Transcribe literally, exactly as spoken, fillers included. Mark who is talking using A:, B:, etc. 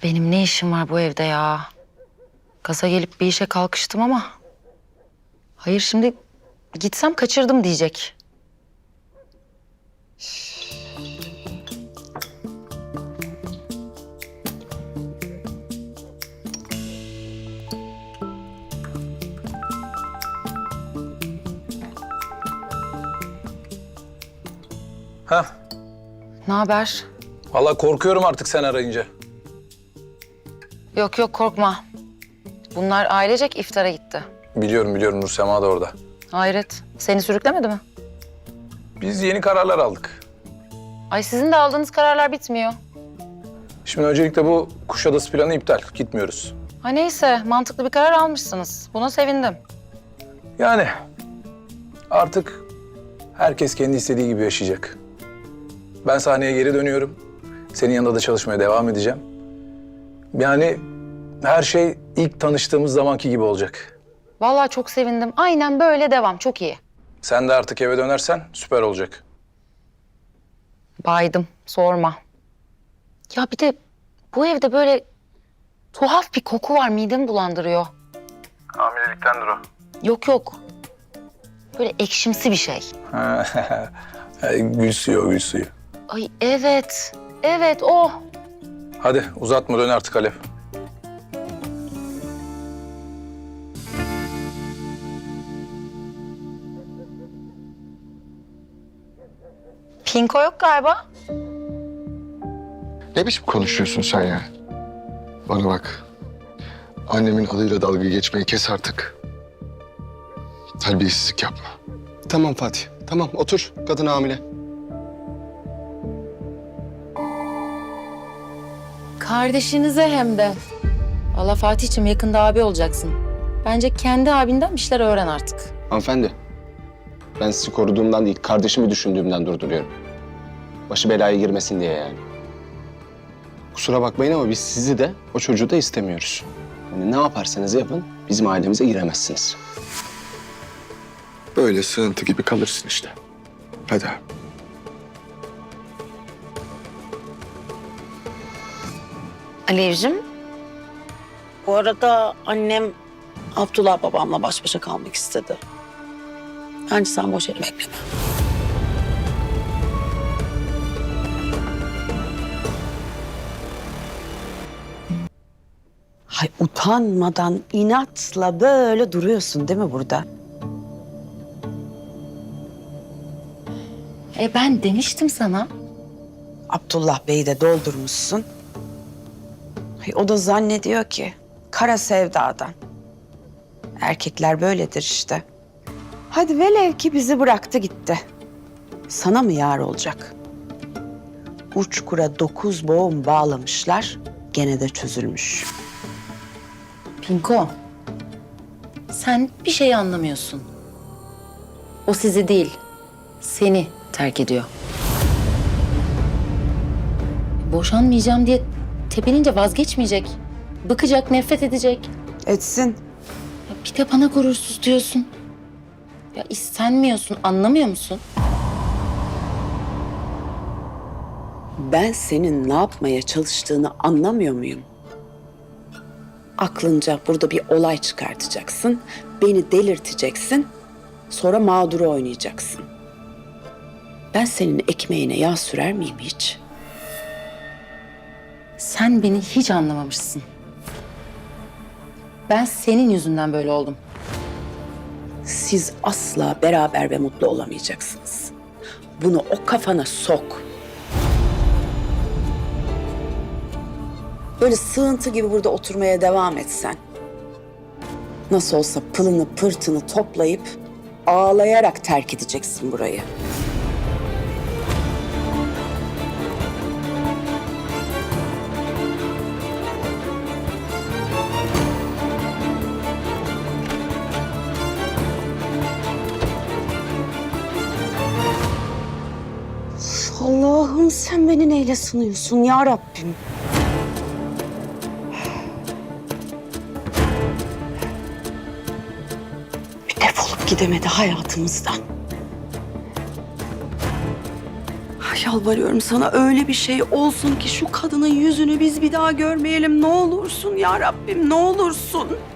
A: Benim ne işim var bu evde ya? Gaza gelip bir işe kalkıştım ama... Hayır, şimdi gitsem kaçırdım diyecek.
B: Ha?
A: Ne haber?
B: Vallahi korkuyorum artık sen arayınca.
A: Yok yok, korkma. Bunlar ailecek iftara gitti.
B: Biliyorum biliyorum, Nursema da orada.
A: Hayret, seni sürüklemedi mi?
B: Biz yeni kararlar aldık.
A: Ay, sizin de aldığınız kararlar bitmiyor.
B: Şimdi öncelikle bu Kuşadası planı iptal. Gitmiyoruz.
A: Ha neyse, mantıklı bir karar almışsınız. Buna sevindim.
B: Yani artık herkes kendi istediği gibi yaşayacak. Ben sahneye geri dönüyorum. Senin yanında da çalışmaya devam edeceğim. Yani her şey ilk tanıştığımız zamanki gibi olacak.
A: Vallahi çok sevindim. Aynen böyle devam, çok iyi.
B: Sen de artık eve dönersen süper olacak.
A: Baydım, sorma. Ya bir de bu evde böyle tuhaf bir koku var, midemi bulandırıyor.
B: Hamileliktendir o.
A: Yok yok, böyle ekşimsi bir şey.
B: Gül suyu o, gül suyu.
A: Ay evet, evet o.
B: Hadi uzatma, dön artık Alev.
A: Pinko yok galiba.
C: Ne biçim konuşuyorsun sen ya? Bana bak. Annemin adıyla dalga geçmeyi kes artık. Terbiyesizlik yapma.
D: Tamam Fatih, tamam otur. Kadın hamile.
A: Kardeşinize hem de. Vallahi Fatih'ciğim, yakında abi olacaksın. Bence kendi abinden bir şeyler öğren artık.
D: Hanımefendi, ben sizi koruduğumdan değil, kardeşimi düşündüğümden durduruyorum. Başı belaya girmesin diye yani. Kusura bakmayın ama biz sizi de, o çocuğu da istemiyoruz. Yani ne yaparsanız yapın, bizim ailemize giremezsiniz.
C: Böyle sığıntı gibi kalırsın işte. Hadi abi.
E: Alevciğim, bu arada annem Abdullah babamla baş başa kalmak istedi. Bence sen boş yere bekleme. Hay utanmadan inatla böyle duruyorsun değil mi burada?
A: E ben demiştim sana.
E: Abdullah Bey'i de doldurmuşsun. Hay, o da zannediyor ki kara sevdadan. Erkekler böyledir işte. Hadi velev ki bizi bıraktı gitti. Sana mı yar olacak? Uçkura dokuz boğum bağlamışlar, gene de çözülmüş.
A: Pinko, sen bir şey anlamıyorsun. O sizi değil, seni terk ediyor. Boşanmayacağım diye tepinince vazgeçmeyecek. Bıkacak, nefret edecek.
E: Etsin.
A: Ya bir de bana gurursuz diyorsun. Ya istenmiyorsun, anlamıyor musun?
E: Ben senin ne yapmaya çalıştığını anlamıyor muyum? Aklınca burada bir olay çıkartacaksın, beni delirteceksin, sonra mağduru oynayacaksın. Ben senin ekmeğine yağ sürer miyim hiç?
A: Sen beni hiç anlamamışsın. Ben senin yüzünden böyle oldum.
E: Siz asla beraber ve mutlu olamayacaksınız. Bunu o kafana sok. Böyle sığıntı gibi burada oturmaya devam etsen. Nasıl olsa pılını pırtını toplayıp ağlayarak terk edeceksin burayı. Allah'ım sen beni neyle sınıyorsun ya Rabbim? Bir defolup gidemedi hayatımızdan. Yalvarıyorum sana, öyle bir şey olsun ki şu kadının yüzünü biz bir daha görmeyelim. Ne olursun ya Rabbim, ne olursun.